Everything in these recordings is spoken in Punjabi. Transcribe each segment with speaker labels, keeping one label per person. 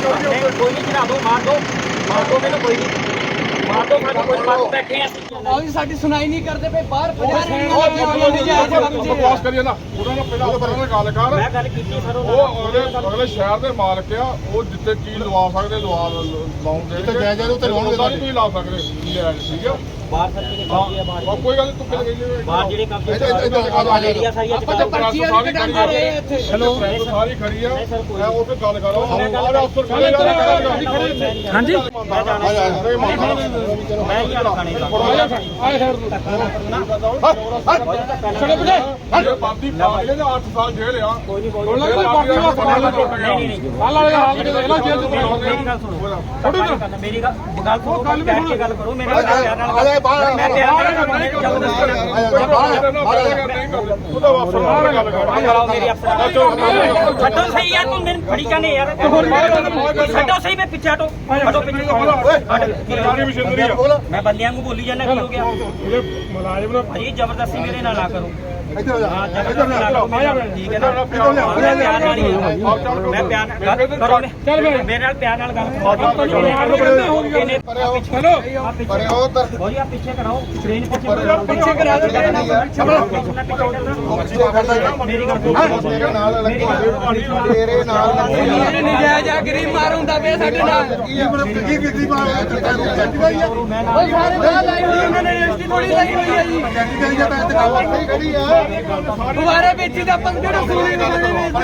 Speaker 1: कोई नहीं चढ़ा दो, मार दो मैंने, कोई नहीं मार दो, कोई बात बैठे हैं और साडी सुनाई नहीं करते पे बाहर बकवास
Speaker 2: करिए ना ਉਹਨਾਂ ਨੂੰ ਪਹਿਲਾਂ ਗੱਲ ਕਰ।
Speaker 1: मैं गल कीती सर
Speaker 2: ਉਹ ਅਗਲੇ ਸ਼ਹਿਰ ਦੇ ਮਾਲਕ ਆ, ਉਹ ਜਿੱਥੇ ਚੀਜ਼ ਲਵਾ ਸਕਦੇ ਲਾਉਂਦੇ ਤੇ ਜਾਇਜ਼ ਉਹ ਤੇ ਲਾਉਣਗੇ, ਤਾਂ ਤੁਸੀਂ ਲਾ ਸਕਦੇ ਠੀਕ ਆ।
Speaker 1: बाहर सर के कब्जे है, बाहर
Speaker 2: ਕੋਈ ਗੱਲ ਤੂੰ ਕਿੱਥੇ ਗਈ
Speaker 1: बाहर जेडे कब्जे एरिया सारी
Speaker 2: ਆਪਾਂ ਤਾਂ ਪਰਚੀਆਂ ਵੀ ਕਟਾਂਗੇ ਇੱਥੇ। ਹੈਲੋ ਸਾਰੀ ਖੜੀ ਆ, ਮੈਂ ਉਹ ਤੇ ਗੱਲ ਕਰੋ ਆਹ ਅਫਸਰ ਖੜੇ
Speaker 1: ਹਾਂਜੀ
Speaker 2: ਮੈਂ
Speaker 1: ही आना खाने का
Speaker 2: ਆਏ ਸਰ ਛੜੇ ਬਜੇ ਇਹ ਬਾਦੀ ਪਾਗਲੇ ਨੇ 8 ਸਾਲ ਜੇਲ੍ਹ ਆ।
Speaker 1: कोई नहीं
Speaker 2: ਕੋਈ ਬਾਕੀ ਦਾ ਪਤਾ ਨਹੀਂ ਹਾਲ ਵਾਲੇ ਹਾਲ ਦੇ ਇਹਨਾਂ ਜੇਲ੍ਹ ਚ
Speaker 1: मेरी गल सुनो, मेरी गल सुनो, बैठ के गल करो मेरे प्यार नाल मैं प्यार नाल मेरी अफसर छड्डो सही यार, तू मेरे फड़ी जाने यार, छड्डो सही, मैं पीछे हटो, हटो पीछे मैं बंदियां को बोली जाना की हो गया भाई, जबरदस्ती मेरे ना ला करो। हाँ जबरदस्ती ना करो, ठीक है ना, मैं प्यार नाल ही मैं प्यार नाल करो, मेरे नाल प्यार नाल गल करो।
Speaker 2: हेलो
Speaker 1: भाई आप पीछे कराओ, ट्रेन पीछे करा दो, मेरी गल
Speaker 2: ਤੇਰੇ ਨਾਲ
Speaker 3: ਨਜਾਇਜ਼ ਆ ਗਰੀਬ ਮਾਰ ਹੁੰਦਾ ਪਿਆ ਸਾਡੇ ਨਾਲ
Speaker 2: ਕੀ ਕੀਤੀ ਮਾਰ
Speaker 3: ਉਹ ਸਾਰੇ ਬਾਹਰ ਲਾਈ ਹੋਈ ਉਹਨਾਂ ਨੇ ਰਜਿਸਟਰੀ ਥੋੜੀ ਲਾਈ ਹੋਈ ਹੈ ਜੀ ਦੁਬਾਰਾ ਵੇਚੀ ਦਾ ਪੰਗੇ ਨੂੰ ਸੂਲੀ ਨੂੰ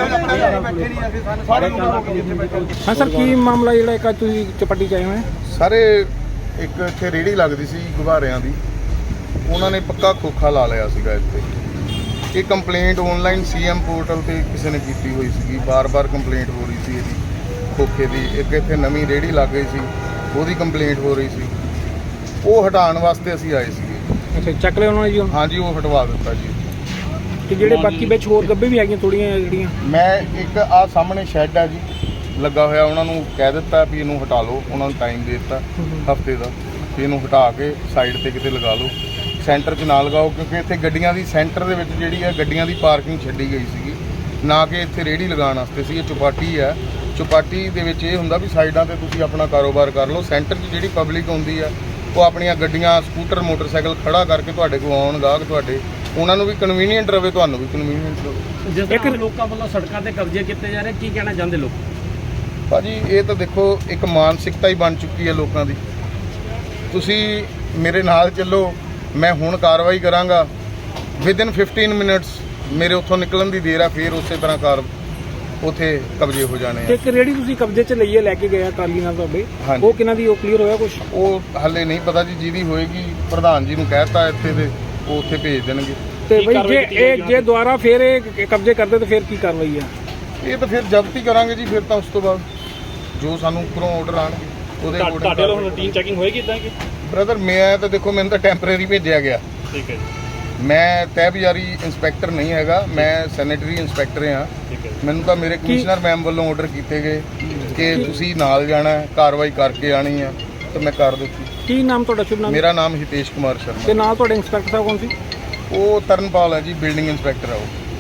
Speaker 4: ਹਾਂ ਸਰ, ਕੀ ਮਾਮਲਾ ਜਿਹੜਾ ਇੱਕ ਤੁਸੀਂ ਚਪੱਟੀ ਚ ਆਏ ਹੋਏ?
Speaker 5: ਸਾਰੇ ਇੱਕ ਇੱਥੇ ਰੇਹੜੀ ਲੱਗਦੀ ਸੀ ਗੁਬਾਰਿਆਂ ਦੀ, ਉਹਨਾਂ ਨੇ ਪੱਕਾ ਖੋਖਾ ਲਾ ਲਿਆ ਸੀਗਾ ਇੱਥੇ। ਇਹ ਕੰਪਲੇਂਟ ਆਨਲਾਈਨ ਸੀਐਮ ਪੋਰਟਲ ਤੇ ਕਿਸੇ ਨੇ ਕੀਤੀ ਹੋਈ ਸੀਗੀ, ਬਾਰ-ਬਾਰ ਕੰਪਲੇਂਟ ਹੋ ਰਹੀ ਸੀ ਇਹਦੀ ਖੋਖੇ ਦੀ। ਇੱਕ ਇੱਥੇ ਨਵੀਂ ਰੇਹੜੀ ਲੱਗ ਗਈ ਸੀ, ਉਹਦੀ ਕੰਪਲੇਂਟ ਹੋ ਰਹੀ ਸੀ, ਉਹ ਹਟਾਉਣ ਵਾਸਤੇ ਅਸੀਂ ਆਏ ਸੀਗੇ।
Speaker 4: ਅੱਛਾ, ਚੱਕ ਲਿਆ ਉਹਨਾਂ ਨੇ ਜੀ?
Speaker 5: ਹਾਂਜੀ, ਉਹ ਹਟਵਾ ਦਿੱਤਾ ਜੀ।
Speaker 4: ਤੇ ਜਿਹੜੇ ਬਾਕੀ ਵਿੱਚ ਹੋਰ ਗੱਬੇ ਵੀ ਹੈਗੀਆਂ ਥੋੜੀਆਂ ਜਿਹੜੀਆਂ?
Speaker 5: ਮੈਂ ਇੱਕ ਆਹ ਸਾਹਮਣੇ ਸ਼ੈੱਡ ਆ ਜੀ ਲੱਗਾ ਹੋਇਆ, ਉਹਨਾਂ ਨੂੰ ਕਹਿ ਦਿੱਤਾ ਵੀ ਇਹਨੂੰ ਹਟਾ ਲਓ, ਉਹਨਾਂ ਨੂੰ ਟਾਈਮ ਦੇ ਦਿੱਤਾ ਹਫਤੇ ਦਾ ਵੀ ਇਹਨੂੰ ਹਟਾ ਕੇ ਸਾਈਡ ਤੇ ਕਿਤੇ ਲਗਾ ਲਓ, ਸੈਂਟਰ 'ਚ ਨਾ ਲਗਾਓ, ਕਿਉਂਕਿ ਇੱਥੇ ਗੱਡੀਆਂ ਦੀ ਸੈਂਟਰ ਦੇ ਵਿੱਚ ਜਿਹੜੀ ਹੈ ਗੱਡੀਆਂ ਦੀ ਪਾਰਕਿੰਗ ਛੱਡੀ ਗਈ ਸੀਗੀ, ਨਾ ਕਿ ਇੱਥੇ ਰੇਹੜੀ ਲਗਾਉਣ ਵਾਸਤੇ ਸੀ। ਇਹ ਚੁਪਾਟੀ ਹੈ, ਚੁਪਾਟੀ ਦੇ ਵਿੱਚ ਇਹ ਹੁੰਦਾ ਵੀ ਸਾਈਡਾਂ ਤੇ ਤੁਸੀਂ ਆਪਣਾ ਕਾਰੋਬਾਰ ਕਰ ਲਓ, ਸੈਂਟਰ 'ਚ ਜਿਹੜੀ ਪਬਲਿਕ ਹੁੰਦੀ ਹੈ ਉਹ ਆਪਣੀਆਂ ਗੱਡੀਆਂ ਸਕੂਟਰ ਮੋਟਰਸਾਈਕਲ ਖੜਾ ਕਰਕੇ ਤੁਹਾਡੇ ਕੋਲ ਆਉਣ ਗਾਹਕ ਤੁਹਾਡੇ, ਉਹਨਾਂ ਨੂੰ ਵੀ ਕਨਵੀਨੀਅੰਟ ਰਵੇ, ਤੁਹਾਨੂੰ ਵੀ ਕਨਵੀਨੀਅੰਟ ਰਵੇ।
Speaker 1: ਜਿਸ ਤਰ੍ਹਾਂ ਲੋਕਾਂ ਵੱਲੋਂ ਸੜਕਾਂ ਤੇ ਕਬਜ਼ੇ ਕੀਤੇ ਜਾ ਰਹੇ, ਕੀ ਕਹਿਣਾ ਚਾਹੁੰਦੇ ਲੋਕ?
Speaker 5: ਭਾਜੀ ਇਹ ਤਾਂ ਦੇਖੋ ਇੱਕ ਮਾਨਸਿਕਤਾ ਹੀ ਬਣ ਚੁੱਕੀ ਹੈ ਲੋਕਾਂ ਦੀ। ਤੁਸੀਂ ਮੇਰੇ ਨਾਲ ਚੱਲੋ, ਮੈਂ ਹੁਣ ਕਾਰਵਾਈ ਕਰਾਂਗਾ, ਵਿਦਿਨ 15 ਮਿੰਟਸ ਮੇਰੇ ਉੱਥੋਂ ਨਿਕਲਣ ਦੀ ਦੇਰ ਆ, ਫਿਰ ਉਸੇ ਤਰ੍ਹਾਂ ਉੱਥੇ ਕਬਜ਼ੇ ਹੋ ਜਾਣੇ ਆ।
Speaker 4: ਇੱਕ ਰੇਹੜੀ ਤੁਸੀਂ ਕਬਜ਼ੇ 'ਚ ਲਈਏ, ਲੈ ਕੇ ਗਏ ਟਰਾਲੀ ਨਾਲ ਤੁਹਾਡੇ,
Speaker 5: ਹਾਂਜੀ।
Speaker 4: ਉਹ ਕਿਹਨਾਂ ਦੀ, ਉਹ ਕਲੀਅਰ ਹੋਇਆ ਕੁਝ?
Speaker 5: ਉਹ ਹਾਲੇ ਨਹੀਂ ਪਤਾ ਜੀ, ਜਿਹਦੀ ਹੋਏਗੀ ਪ੍ਰਧਾਨ ਜੀ ਨੂੰ ਕਹਿਤਾ ਇੱਥੇ ਤੇ ਉਹ ਉੱਥੇ ਭੇਜ ਦੇਣਗੇ।
Speaker 4: ਤੇ ਬਈ ਜੇ ਦੁਬਾਰਾ ਫਿਰ ਇਹ ਕਬਜ਼ੇ ਕਰਦੇ ਤਾਂ ਫਿਰ ਕੀ ਕਾਰਵਾਈ ਆ?
Speaker 5: ਇਹ ਤਾਂ ਫਿਰ ਜ਼ਬਤ ਹੀ ਕਰਾਂਗੇ ਜੀ, ਫਿਰ ਤਾਂ ਉਸ ਤੋਂ ਬਾਅਦ ਜੋ ਸਾਨੂੰ ਉੱਪਰੋਂ ਆਰਡਰ ਆਣਗੇ ਉਹਦੇ
Speaker 6: ਤੁਹਾਡੇ ਵੱਲੋਂ ਰੂਟੀਨ ਚੈਕਿੰਗ ਹੋਏਗੀ ਇਦਾਂ ਕਿ?
Speaker 5: ਬ੍ਰਦਰ ਮੈਂ ਤਾਂ ਦੇਖੋ, ਮੈਨੂੰ ਤਾਂ ਟੈਂਪਰੇਰੀ ਭੇਜਿਆ ਗਿਆ,
Speaker 6: ਠੀਕ ਹੈ ਜੀ,
Speaker 5: ਮੈਂ ਤਹਿਬਜ਼ਾਰੀ ਇੰਸਪੈਕਟਰ ਨਹੀਂ ਹੈਗਾ, ਮੈਂ ਸੈਨੇਟਰੀ ਇੰਸਪੈਕਟਰ ਹਾਂ।
Speaker 6: ਠੀਕ ਹੈ।
Speaker 5: ਮੈਨੂੰ ਤਾਂ ਮੇਰੇ ਕਮਿਸ਼ਨਰ ਮੈਮ ਵੱਲੋਂ ਆਰਡਰ ਕੀਤੇ ਗਏ ਕਿ ਤੁਸੀਂ ਨਾਲ ਜਾਣਾ ਹੈ, ਕਾਰਵਾਈ ਕਰਕੇ ਆਣੀ ਹੈ, ਤਾਂ ਮੈਂ ਕਰ ਦਿੱਤੀ।
Speaker 4: ਕੀ ਨਾਮ ਤੁਹਾਡਾ, ਸ਼ੁਭ ਨਾਮ?
Speaker 5: ਮੇਰਾ ਨਾਮ ਹਿਤੇਸ਼ ਕੁਮਾਰ
Speaker 4: ਤੇ
Speaker 5: ਸ਼ਰਮਾ।
Speaker 4: ਨਾਲ ਤੁਹਾਡੇ ਇੰਸਪੈਕਟਰ ਸਾਹਿਬ ਕੌਣ ਸੀ?
Speaker 5: ਉਹ ਤਰਨਪਾਲ ਹੈ ਜੀ, ਬਿਲਡਿੰਗ ਇੰਸਪੈਕਟਰ ਹੈ ਉਹ।